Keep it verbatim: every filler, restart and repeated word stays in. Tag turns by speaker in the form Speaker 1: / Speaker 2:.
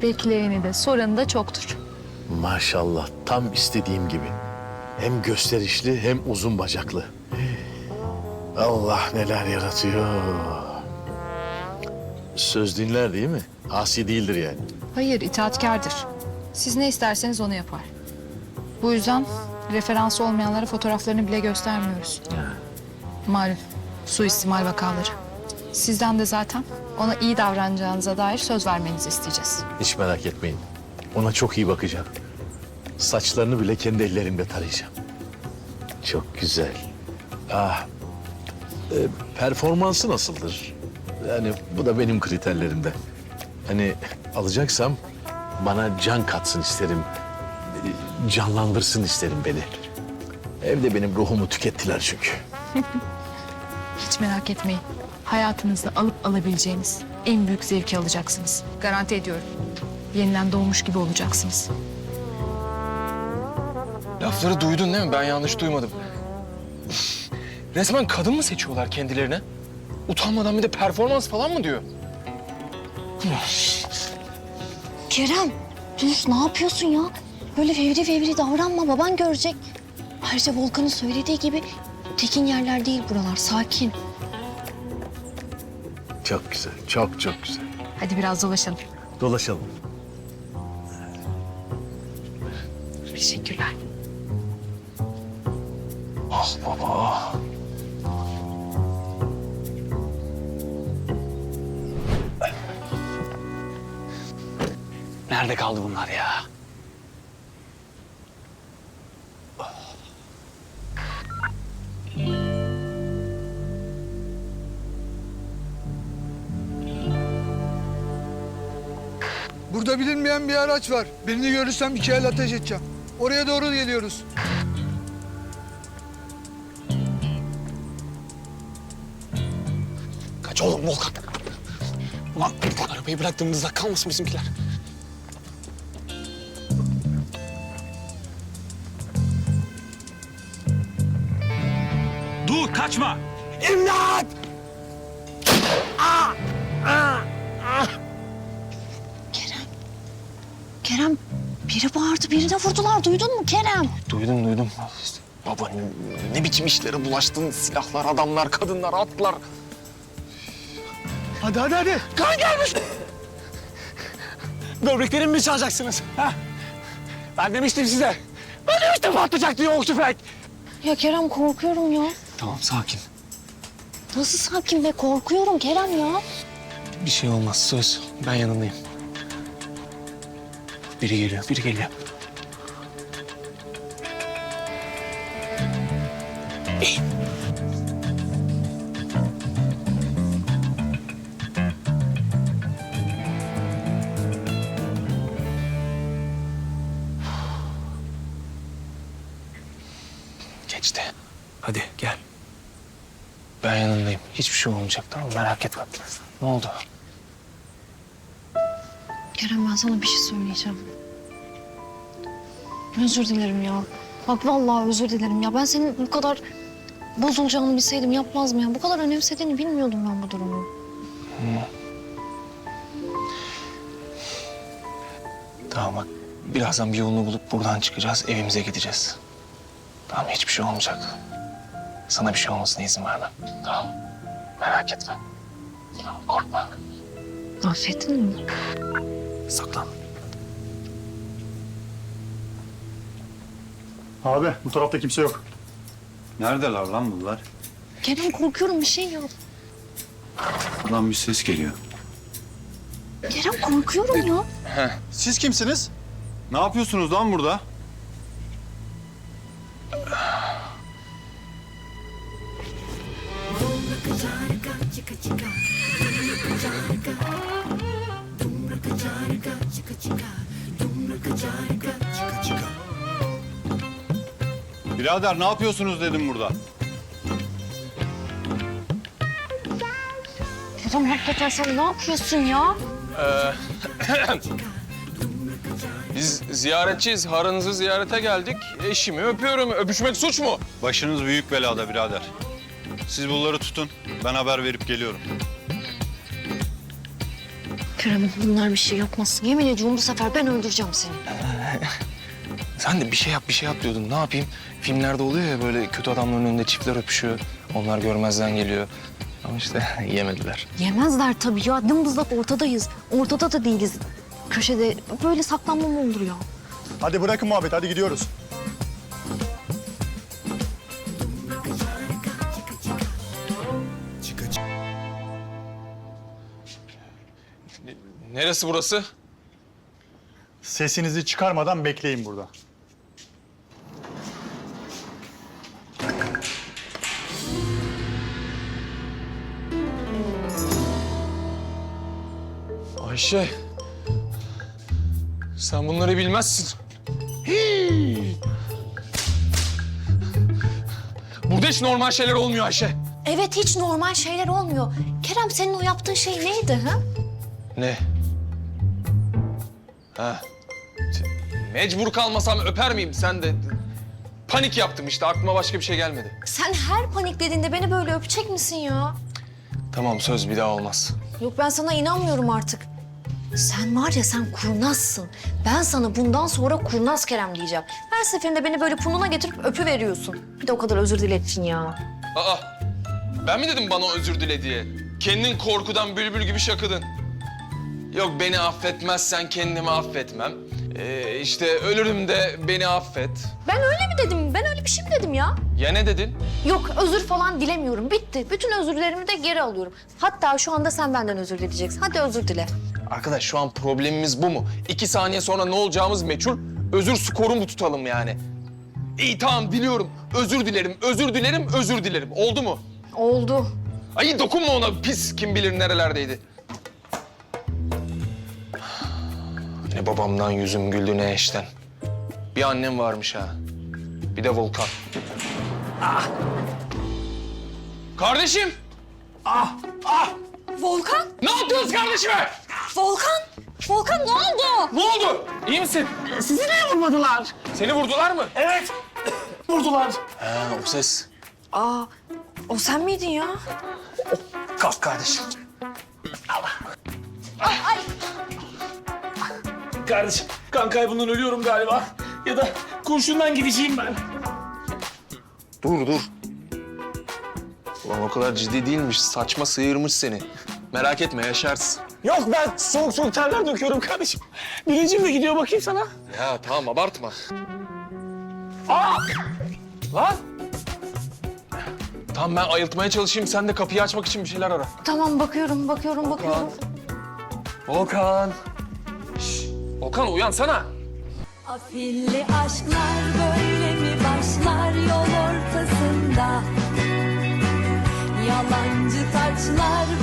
Speaker 1: bekleyeni de soranı da çoktur.
Speaker 2: Maşallah tam istediğim gibi. Hem gösterişli hem uzun bacaklı. Allah neler yaratıyor. Söz dinler değil mi? Asi değildir yani.
Speaker 1: Hayır, itaatkardır. Siz ne isterseniz onu yapar. Bu yüzden referansı olmayanlara fotoğraflarını bile göstermiyoruz. Malum, suistimal vakaları. Sizden de zaten ona iyi davranacağınıza dair söz vermenizi isteyeceğiz.
Speaker 2: Hiç merak etmeyin. Ona çok iyi bakacağım. Saçlarını bile kendi ellerimle tarayacağım. Çok güzel. Ah, e, performansı nasıldır? Yani bu da benim kriterlerimde. Hani alacaksam bana can katsın isterim. E, Canlandırsın isterim beni. Evde benim ruhumu tükettiler çünkü.
Speaker 1: Hiç merak etmeyin. Hayatınızda alıp alabileceğiniz en büyük zevki alacaksınız. Garanti ediyorum. Yeniden doğmuş gibi olacaksınız.
Speaker 3: Lafları duydun değil mi? Ben yanlış duymadım. Resmen kadın mı seçiyorlar kendilerine? Utanmadan bir de performans falan mı diyor?
Speaker 4: Kerem, dur ne yapıyorsun ya? Böyle fevri fevri davranma, baban görecek. Ayrıca Volkan'ın söylediği gibi tekin yerler değil buralar, sakin.
Speaker 2: Çok güzel, çok çok güzel.
Speaker 1: Hadi biraz dolaşalım.
Speaker 2: Dolaşalım.
Speaker 1: Teşekkürler.
Speaker 3: Ah baba. Nerede kaldı bunlar ya?
Speaker 5: Burada bilinmeyen bir araç var. Birini görürsem iki el ateş edeceğim. Oraya doğru geliyoruz.
Speaker 3: Kaç oğlum Volkan. Ulan arabayı bıraktığımızda kalmasın bizimkiler.
Speaker 6: Dur kaçma.
Speaker 3: İmdat!
Speaker 4: Kerem, biri bağırdı, birine vurdular. Duydun mu Kerem?
Speaker 3: Duydum duydum. Baba ne, ne biçim işlere bulaştın? Silahlar, adamlar, kadınlar, atlar.
Speaker 5: Hadi hadi hadi.
Speaker 3: Kan gelmiş. Böbreklerimi mi çalacaksınız? Ha? Ben demiştim size. Ben demiştim patlayacak diye o tüfek.
Speaker 4: Ya Kerem korkuyorum ya.
Speaker 3: Tamam sakin.
Speaker 4: Nasıl sakin be? Korkuyorum Kerem ya.
Speaker 3: Bir şey olmaz söz. Ben yanındayım. Biri geliyor, biri geliyor. İyi. Geçti. Hadi gel. Ben yanındayım. Hiçbir şey olmayacak tamam mı? Merak etme. Ne oldu?
Speaker 4: Kerem ben sana bir şey söyleyeceğim. Özür dilerim ya. Bak vallahi özür dilerim ya. Ben senin bu kadar bozulacağını bilseydim yapmaz mı ya? Bu kadar önemsediğini bilmiyordum ben bu durumu.
Speaker 3: Tamam bak. Birazdan bir yolunu bulup buradan çıkacağız. Evimize gideceğiz. Tamam hiçbir şey olmayacak. Sana bir şey olmasına izin vermem. Tamam. Merak etme. Tamam, korkma.
Speaker 4: Affettin mi?
Speaker 3: Saklan.
Speaker 7: Abi bu tarafta kimse yok. Neredeler lan bunlar?
Speaker 4: Kerem korkuyorum bir şey yap.
Speaker 7: Lan bir ses geliyor.
Speaker 4: Kerem korkuyorum ya.
Speaker 7: Siz kimsiniz? Ne yapıyorsunuz lan burada? Birader ne yapıyorsunuz dedim burada.
Speaker 4: Kerem hakikaten sen ne yapıyorsun ya?
Speaker 8: Biz ziyaretçiyiz. Harınızı ziyarete geldik. Eşimi öpüyorum. Öpüşmek suç mu?
Speaker 7: Başınız büyük belada birader. Siz bunları tutun. Ben haber verip geliyorum.
Speaker 4: Kerem bunlar bir şey yapmasın. Yemin ediyorum bu sefer ben öldüreceğim seni.
Speaker 3: Sen de bir şey yap bir şey yap diyordun. Ne yapayım? Filmlerde oluyor ya böyle kötü adamların önünde çiftler öpüşüyor. Onlar görmezden geliyor. Ama işte yemediler.
Speaker 4: Yemezler tabii ya. Dımdızlak ortadayız. Ortada da değiliz. Köşede böyle saklanma mı olur ya?
Speaker 7: Hadi bırakın muhabbet, hadi gidiyoruz.
Speaker 8: Neresi burası?
Speaker 7: Sesinizi çıkarmadan bekleyin burada.
Speaker 8: Ayşe. Sen bunları bilmezsin. Hii. Burada hiç normal şeyler olmuyor Ayşe.
Speaker 4: Evet hiç normal şeyler olmuyor. Kerem senin o yaptığın şey neydi ha?
Speaker 8: Ne? Ha. Mecbur kalmasam öper miyim? Sen de panik yaptım işte. Aklıma başka bir şey gelmedi.
Speaker 4: Sen her paniklediğinde beni böyle öpecek misin ya?
Speaker 3: Tamam söz bir daha olmaz.
Speaker 4: Yok ben sana inanmıyorum artık. Sen var ya sen kurnazsın. Ben sana bundan sonra kurnaz Kerem diyeceğim. Her seferinde beni böyle burnuna getirip öpü veriyorsun. Bir de o kadar özür dilettin ya.
Speaker 8: Aa, ben mi dedim bana özür dile diye? Kendin korkudan bülbül gibi şakıdın. Yok beni affetmezsen kendimi affetmem. Ee, işte ölürüm de beni affet.
Speaker 4: Ben öyle mi dedim? Ben öyle bir şey mi dedim ya?
Speaker 8: Ya ne dedin?
Speaker 4: Yok özür falan dilemiyorum. Bitti. Bütün özürlerimi de geri alıyorum. Hatta şu anda sen benden özür dileyeceksin. Hadi özür dile.
Speaker 8: Arkadaş şu an problemimiz bu mu? İki saniye sonra ne olacağımız meçhul. Özür skoru mu tutalım yani? İyi tamam diliyorum. Özür dilerim, özür dilerim, özür dilerim. Oldu mu?
Speaker 4: Oldu.
Speaker 8: Ay dokunma ona pis kim bilir nerelerdeydi. Ne babamdan yüzüm güldü ne eşten. Bir annem varmış ha. Bir de Volkan. Ah! Kardeşim!
Speaker 4: Volkan!
Speaker 8: Ne yaptınız kardeşime?
Speaker 4: Volkan! Volkan ne oldu?
Speaker 8: Ne oldu? İyi misin?
Speaker 3: Sizi niye vurmadılar?
Speaker 8: Seni vurdular mı?
Speaker 3: Evet. Vurdular. Ha o ses.
Speaker 4: Aa, o sen miydin ya?
Speaker 3: Kalk kardeşim.
Speaker 6: Kardeşim kan kaybından ölüyorum galiba. Ya da kurşundan gideceğim ben.
Speaker 8: Dur dur. Ulan o kadar ciddi değilmiş. Saçma sıyırmış seni. Merak etme yaşarsın.
Speaker 6: Yok ben soğuk soğuk terler döküyorum kardeşim. Bilincim de gidiyor bakayım sana.
Speaker 8: Ya tamam abartma.
Speaker 6: Aa!
Speaker 8: Lan! Tamam ben ayıltmaya çalışayım. Sen de kapıyı açmak için bir şeyler ara.
Speaker 4: Tamam bakıyorum, bakıyorum, bakıyorum.
Speaker 8: Volkan. Şş, Volkan uyansana.
Speaker 9: Afilli aşklar böyle mi başlar yol ortasında? Yalancı taçlar